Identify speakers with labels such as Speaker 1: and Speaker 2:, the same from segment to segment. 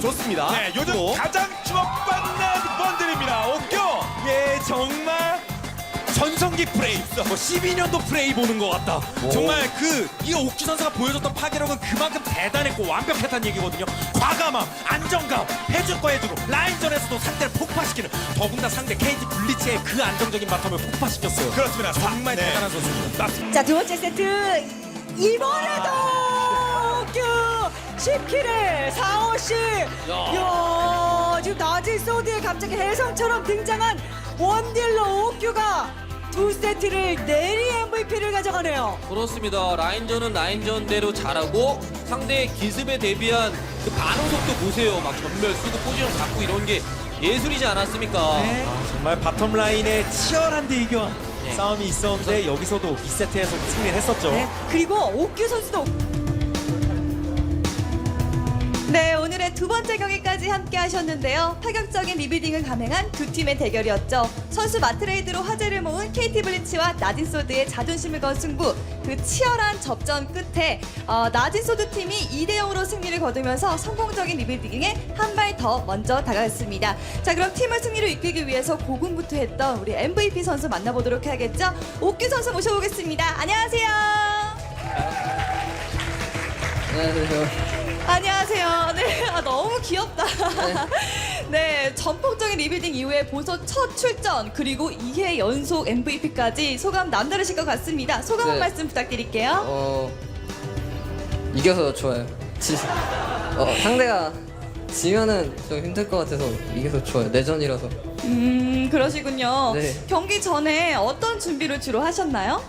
Speaker 1: 보여줬습니다.
Speaker 2: 네, 요즘
Speaker 1: 또.
Speaker 2: 가장 주목받는 번들입니다. 옥교.
Speaker 1: 예, 정말 전성기 프레이, 뭐 12년도 프레이 보는 것 같다. 정말 이 옥규 선수가 보여줬던 파괴력은 그만큼 대단했고 완벽했다는 얘기거든요. 과감함, 안정감, 해줄 거 해주고 라인전에서도 상대를 폭파시키는, 더군다나 상대 KT 블리츠의 그 안정적인 바텀을 폭파시켰어요.
Speaker 2: 그렇습니다.
Speaker 1: 정말
Speaker 2: 네.
Speaker 1: 대단한 선수입니다.
Speaker 3: 자, 두 번째 세트 이번에도 옥규 10킬을 4호씩. 야, 지금 낮은 소드에 갑자기 혜성처럼 등장한 원딜러 옥규가 두 세트를 내리 MVP를 가져가네요.
Speaker 4: 그렇습니다. 라인전은 라인전대로 잘하고 상대의 기습에 대비한 그 반응 속도 보세요. 막 전멸 쓰고 포지션 잡고 이런 게 예술이지 않았습니까?
Speaker 3: 네.
Speaker 1: 정말 바텀 라인에 치열한 대결
Speaker 4: 네.
Speaker 1: 싸움이 있었는데 여기서도 2세트에서 승리를 했었죠.
Speaker 3: 네. 그리고 옥규 선수도 네, 오늘의 두 번째 경기까지 함께 하셨는데요. 파격적인 리빌딩을 감행한 두 팀의 대결이었죠. 선수 마트레이드로 화제를 모은 KT 블리츠와 나진소드의 자존심을 건 승부. 그 치열한 접전 끝에 나진소드 팀이 2대0으로 승리를 거두면서 성공적인 리빌딩에 한 발 더 먼저 다가갔습니다. 자, 그럼 팀을 승리로 이끌기 위해서 고군분투했던 우리 MVP 선수 만나보도록 해야겠죠. 옥규 선수 모셔보겠습니다. 안녕하세요.
Speaker 4: 안녕하세요.
Speaker 3: 안녕하세요. 네, 너무 귀엽다. 네, 전폭적인 리빌딩 이후에 벌써 첫 출전 그리고 2회 연속 MVP까지 소감 남다르실 것 같습니다. 소감 한
Speaker 5: 네.
Speaker 3: 말씀 부탁드릴게요.
Speaker 5: 이겨서 좋아요. 상대가 지면은 좀 힘들 것 같아서 이겨서 좋아요. 내전이라서.
Speaker 3: 그러시군요.
Speaker 5: 네.
Speaker 3: 경기 전에 어떤 준비를 주로 하셨나요?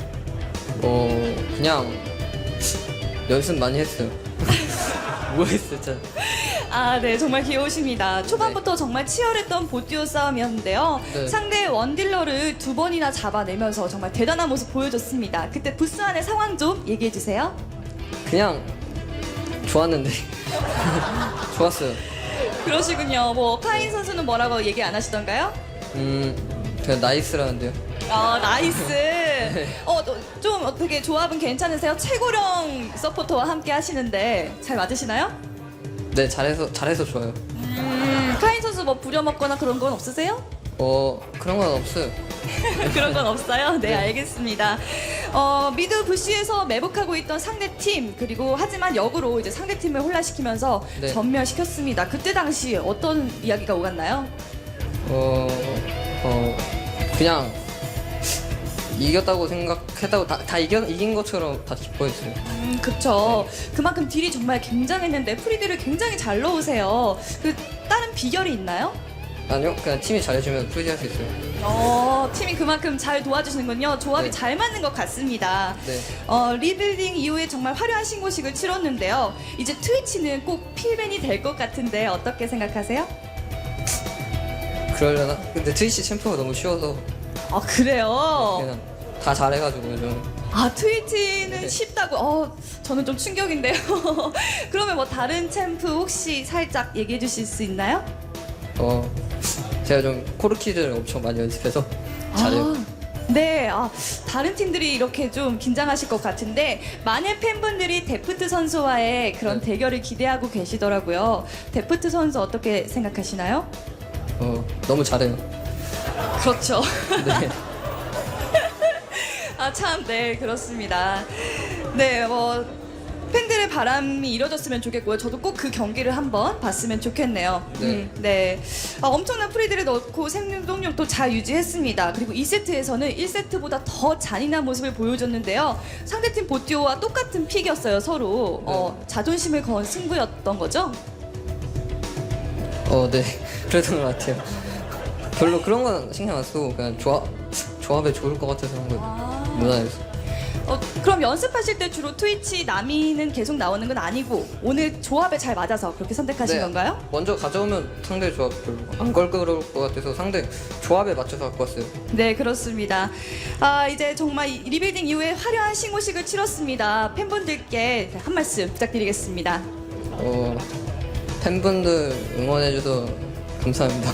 Speaker 5: 그냥 연습 많이 했어요. 뭐 했어요, 진짜.
Speaker 3: 아, 네, 정말 귀여우십니다. 초반부터 정말 치열했던 보듀오 싸움이었는데요.
Speaker 5: 네.
Speaker 3: 상대 원딜러를 두 번이나 잡아내면서 정말 대단한 모습 보여줬습니다. 그때 부스 안의 상황 좀 얘기해 주세요.
Speaker 5: 그냥 좋았는데. 좋았어요.
Speaker 3: 그러시군요. 뭐 카인 선수는 뭐라고 얘기 안 하시던가요?
Speaker 5: 그냥 나이스라는데요.
Speaker 3: 나이스. 좀 어떻게 조합은 괜찮으세요? 최고령 서포터와 함께 하시는데 잘 맞으시나요?
Speaker 5: 네, 잘해서 좋아요.
Speaker 3: 카인 선수 뭐 부려먹거나 그런 건 없으세요?
Speaker 5: 그런 건 없어요.
Speaker 3: 그런 건 없어요? 네, 알겠습니다. 미드 부시에서 매복하고 있던 상대 팀, 그리고 하지만 역으로 이제 상대 팀을 혼란시키면서
Speaker 5: 네.
Speaker 3: 전멸시켰습니다. 그때 당시 어떤 이야기가 오갔나요?
Speaker 5: 그냥 이겼다고 생각했다고 다 이긴 것처럼 다 기뻐했어요.
Speaker 3: 그쵸. 그만큼 딜이 정말 굉장했는데 프리딜을 굉장히 잘 넣으세요. 그 다른 비결이 있나요?
Speaker 5: 아니요, 그냥 팀이 잘해주면 프리디 할 수 있어요.
Speaker 3: 팀이 그만큼 잘 도와주시는군요. 조합이
Speaker 5: 네.
Speaker 3: 잘 맞는 것 같습니다.
Speaker 5: 네.
Speaker 3: 리빌딩 이후에 정말 화려한 신고식을 치렀는데요. 이제 트위치는 꼭 필벤이 될 것 같은데 어떻게 생각하세요?
Speaker 5: 그러려나? 근데 트위치 챔프가 너무 쉬워서
Speaker 3: 아, 그래요?
Speaker 5: 그냥 다 잘해가지고 저는.
Speaker 3: 아, 트위치는
Speaker 5: 네.
Speaker 3: 쉽다고? 저는 좀 충격인데요. 그러면 뭐 다른 챔프 혹시 살짝 얘기해 주실 수 있나요?
Speaker 5: 제가 좀 코르키를 엄청 많이 연습해서 잘해요.
Speaker 3: 네, 다른 팀들이 이렇게 좀 긴장하실 것 같은데 많은 팬분들이 데프트 선수와의 그런
Speaker 5: 네.
Speaker 3: 대결을 기대하고 계시더라고요. 데프트 선수 어떻게 생각하시나요?
Speaker 5: 너무 잘해요.
Speaker 3: 그렇죠.
Speaker 5: 네.
Speaker 3: 아, 참, 네, 그렇습니다. 네, 뭐 팬들의 바람이 이뤄졌으면 좋겠고요. 저도 꼭 그 경기를 한번 봤으면 좋겠네요.
Speaker 5: 네.
Speaker 3: 네. 엄청난 프리들을 넣고 생동력도 잘 유지했습니다. 그리고 2세트에서는 1세트보다 더 잔인한 모습을 보여줬는데요. 상대팀 보티오와 똑같은 픽이었어요, 서로. 자존심을 건 승부였던 거죠?
Speaker 5: 네. 그랬던 것 같아요. 별로 그런 건 신경 안 쓰고 그냥 조합에 좋을 것 같아서 한 거예요. 무난해서.
Speaker 3: 그럼 연습하실 때 주로 트위치 남이는 계속 나오는 건 아니고 오늘 조합에 잘 맞아서 그렇게 선택하신
Speaker 5: 네.
Speaker 3: 건가요?
Speaker 5: 먼저 가져오면 상대 조합 별로 안 걸그러울 것 같아서 상대 조합에 맞춰서 갖고 왔어요.
Speaker 3: 네, 그렇습니다. 이제 정말 이 리빌딩 이후에 화려한 신고식을 치렀습니다. 팬분들께 한 말씀 부탁드리겠습니다.
Speaker 5: 팬분들 응원해줘서 감사합니다.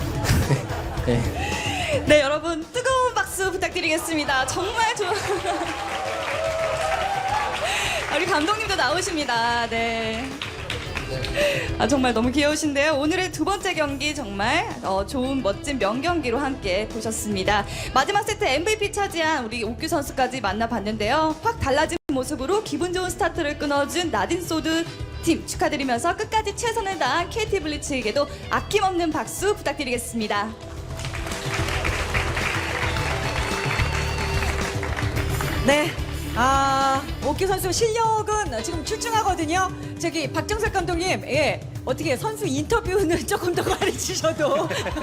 Speaker 5: 네.
Speaker 3: 네, 여러분 뜨거운 박수 부탁드리겠습니다. 정말 좋아. 우리 감독님도 나오십니다. 네. 아, 정말 너무 귀여우신데요. 오늘의 두 번째 경기 정말 좋은 멋진 명경기로 함께 보셨습니다. 마지막 세트 MVP 차지한 우리 옥규 선수까지 만나봤는데요. 확 달라진 모습으로 기분 좋은 스타트를 끊어준 나딘소드 팀 축하드리면서 끝까지 최선을 다한 KT 블리츠에게도 아낌없는 박수 부탁드리겠습니다.
Speaker 6: 네. 옥규 선수 실력은 지금 출중하거든요. 저기 박정석 감독님, 어떻게 선수 인터뷰는 조금 더 가르치셔도